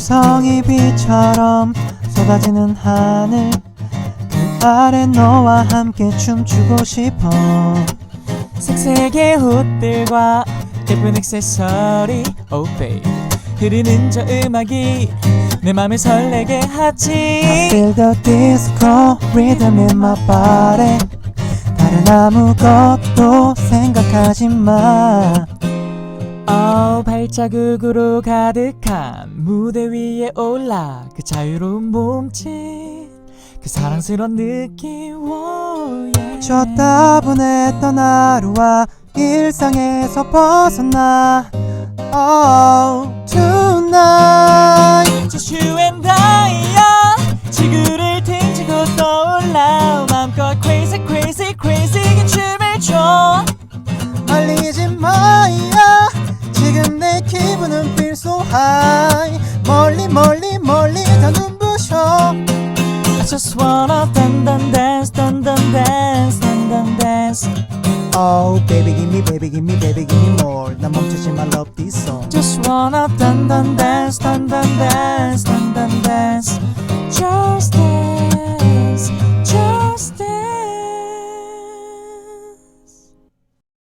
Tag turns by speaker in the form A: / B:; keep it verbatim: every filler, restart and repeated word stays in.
A: 유성이 비처럼 쏟아지는 하늘 그 아래 너와 함께 춤추고 싶어.
B: 색색의 옷들과 예쁜 액세서리 oh babe 흐르는 저 음악이 내 맘을 설레게 하지.
A: I feel the disco rhythm in my body. 다른 아무것도 생각하지 마.
B: oh, 발자국으로 가득한 무대 위에 올라 그 자유로운 몸짓 그 사랑스러운 느낌 oh, yeah.
A: 저 따분했던 하루와 일상에서 벗어나 Oh tonight
B: Just you and I야 지구를 등지고 떠올라 마음껏 crazy crazy crazy 그 춤을 춰.
A: 알리지 마야 지금 내 기분은 feel so high 멀리 멀리 멀리 다 눈부셔.
B: I just wanna dun dun dance dun dun dance dun dun dance
A: Oh baby give me baby give me baby give me more 나 멈추지 마 love this song
B: Just wanna dun dun dance dun dun dance dun dun dance